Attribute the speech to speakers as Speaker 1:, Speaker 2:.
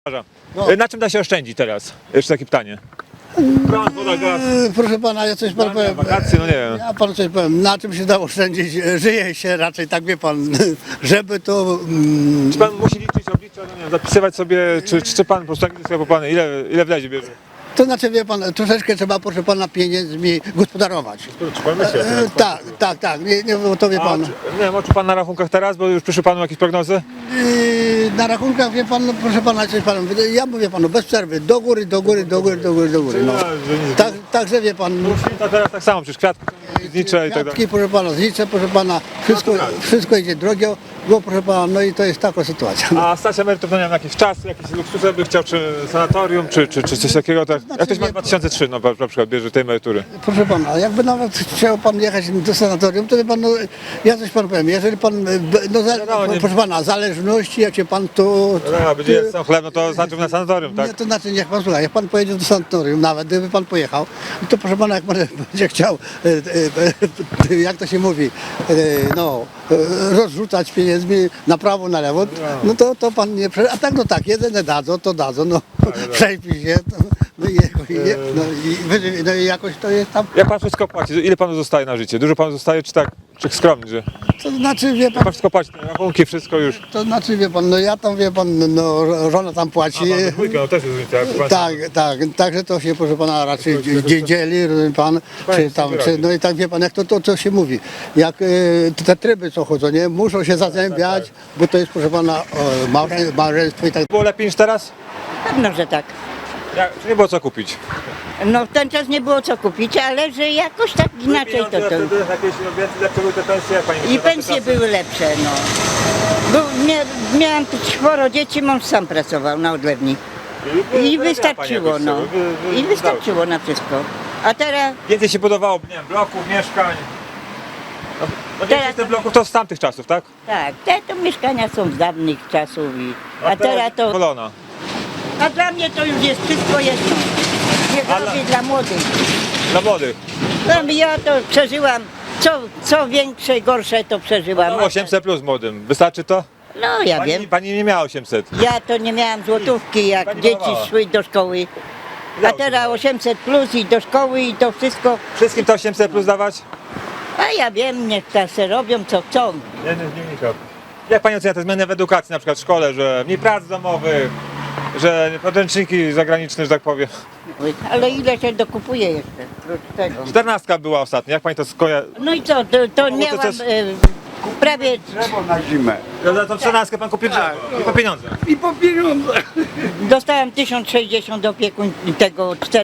Speaker 1: No. Na czym da się oszczędzić teraz? Jeszcze takie pytanie. Prąd, woda, gaz.
Speaker 2: Proszę pana, ja coś panu powiem.
Speaker 1: Wakacje, no nie wiem.
Speaker 2: Ja panu coś powiem, na czym się da oszczędzić? Żyje się raczej, tak wie pan, żeby to...
Speaker 1: Czy pan musi liczyć, obliczać, no nie wiem, zapisywać sobie, czy pan po prostu tak sobie popany, ile wlezie bierze?
Speaker 2: To znaczy, wie pan, troszeczkę trzeba, proszę pana, pieniędzmi gospodarować.
Speaker 1: Czy pan myśli?
Speaker 2: Tak, nie, bo to wie pan.
Speaker 1: Nie wiem, czy pan na rachunkach teraz, bo już przyszły panu jakieś prognozy?
Speaker 2: Na rachunkach, wie pan, no, proszę pana, coś panu, ja mówię panu, bez przerwy, do góry. No. Także wie pan,
Speaker 1: To teraz tak samo, przecież kwiatki znicze i tak dalej.
Speaker 2: kwiatki, proszę pana, znicze, proszę pana, wszystko idzie drogo, bo proszę pana, no i to jest taka sytuacja.
Speaker 1: A stać emerytów, no nie wiem, jakiś czas, jakieś luksusy by chciał, czy sanatorium, czy coś takiego, tak? Jak ktoś ma 2003, no na przykład bierze tej emerytury.
Speaker 2: Proszę pana, jakby nawet chciał pan jechać do sanatorium, to wie pan, no, ja coś panu powiem, jeżeli pan, proszę pana, zależności, jak się pan to...
Speaker 1: No, będzie jest chleb, no to znaczy na sanatorium, tak?
Speaker 2: Nie, to znaczy, niech pan słucha, jak pan pojedzie do sanatorium, nawet gdyby pan pojechał, to proszę pana, jak pan będzie chciał, jak to się mówi, rozrzucać pieniędzmi na prawo, na lewo, no to pan nie a tak, no tak, jedyne dadzą, no przejpij się, no i jakoś to jest tam.
Speaker 1: Jak pan wszystko płaci? Ile panu zostaje na życie? Dużo panu zostaje, czy tak, czy skromnie, że
Speaker 2: To znaczy, wie
Speaker 1: jak
Speaker 2: pan,
Speaker 1: pan wszystko płaci, te rachunki, wszystko już?
Speaker 2: to znaczy, wie pan, no ja tam, wie pan, no żona tam płaci.
Speaker 1: No też jest różnica,
Speaker 2: Tak, także to się, proszę pana, raczej dzieli, rozumie pan, czy tam, no i tak wie pan, jak to się mówi, jak te tryby co chodzą, nie, muszą się zazębiać, bo to jest, proszę pana, małżeństwo i tak.
Speaker 1: Było lepiej niż teraz?
Speaker 3: Pewno, że tak.
Speaker 1: Czy nie było co kupić?
Speaker 3: No w ten czas nie było co kupić, ale że jakoś tak inaczej to.
Speaker 1: Jakieś lepsze były te pensje, jak pani
Speaker 3: I pensje były lepsze, no. Miałam 4 dzieci, mąż sam pracował na odlewni. I wystarczyło, no. I wystarczyło na wszystko. A teraz,
Speaker 1: Więcej się budowało, nie wiem, bloków, mieszkań. No więcej z tych bloków to z tamtych czasów, tak?
Speaker 3: tak, te to mieszkania są z dawnych czasów. A teraz to,
Speaker 1: Wolona.
Speaker 3: a dla mnie to już jest wszystko jedno. Nie robię dla młodych.
Speaker 1: Dla młodych.
Speaker 3: No, ja to przeżyłam, co większe, gorsze to przeżyłam.
Speaker 1: 800 plus młodym. Wystarczy to?
Speaker 3: No ja wiem.
Speaker 1: Pani nie miała 800.
Speaker 3: Ja to nie miałam złotówki, jak
Speaker 1: Pani
Speaker 3: dzieci
Speaker 1: malowała.
Speaker 3: szły do szkoły. A teraz 800 plus i do szkoły i to wszystko.
Speaker 1: Wszystkim to 800 plus dawać?
Speaker 3: A ja wiem, niech teraz se robią co chcą.
Speaker 1: Nie, jak pani ocenia te zmiany w edukacji, na przykład w szkole, że mniej prac domowych, że podręczniki zagraniczne, że tak powiem.
Speaker 3: Ale ile się dokupuje jeszcze? Oprócz tego.
Speaker 1: 14 była ostatnio, jak pani to skojarzy?
Speaker 3: No i co, to miałam prawie
Speaker 4: Drzewo na zimę.
Speaker 1: Za tą 14 pan kupił drzewo i po pieniądze.
Speaker 4: I po pieniądze.
Speaker 3: dostałam 1060 opiekun tego 4